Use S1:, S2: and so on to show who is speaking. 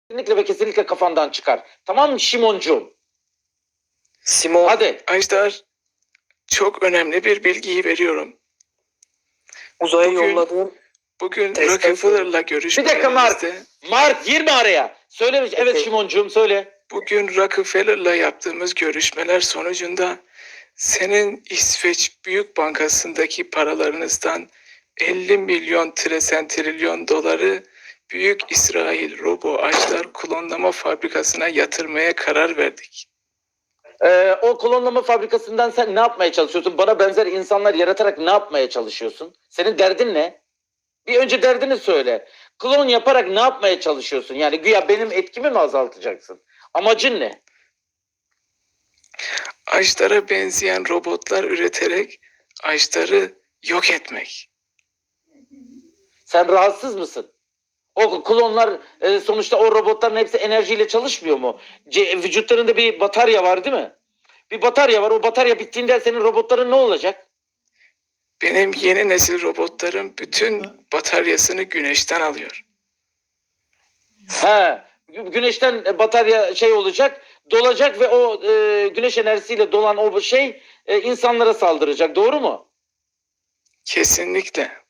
S1: Kesinlikle ve kesinlikle kafandan çıkar. Tamam mı Şimoncuğum?
S2: Simon.
S1: Hadi.
S3: Ajdar, çok önemli bir bilgiyi veriyorum.
S2: Uzaya
S3: Bugün-
S2: yolladığın
S3: Bugün
S2: Testten
S3: Rockefeller'la
S1: Bir dakika Mark.
S3: görüşmelerimizde,
S1: Mark girme araya. Söyle. Evet
S2: Peki.
S1: Şimoncuğum söyle.
S3: bugün Rockefeller'la yaptığımız görüşmeler sonucunda senin İsveç Büyük Bankası'ndaki paralarınızdan 50 milyon trilyon doları Büyük İsrail Robo Ajdar klonlama fabrikasına yatırmaya karar verdik.
S1: O klonlama fabrikasından sen ne yapmaya çalışıyorsun? Bana benzer insanlar yaratarak ne yapmaya çalışıyorsun? Senin derdin ne? Bir önce derdini söyle. Klon yaparak ne yapmaya çalışıyorsun? Yani güya benim etkimi mi azaltacaksın? Amacın ne?
S3: Ajdar'a benzeyen robotlar üreterek Ajdar'ı yok etmek.
S1: Sen rahatsız mısın? O klonlar sonuçta o robotların hepsi enerjiyle çalışmıyor mu? Vücutlarında bir batarya var değil mi? Bir batarya var. O batarya bittiğinde senin robotların ne olacak?
S3: Benim yeni nesil robotlarım bütün bataryasını güneşten alıyor.
S1: He, güneşten batarya şey olacak, dolacak ve o güneş enerjisiyle dolan o şey insanlara saldıracak. Doğru mu?
S3: Kesinlikle.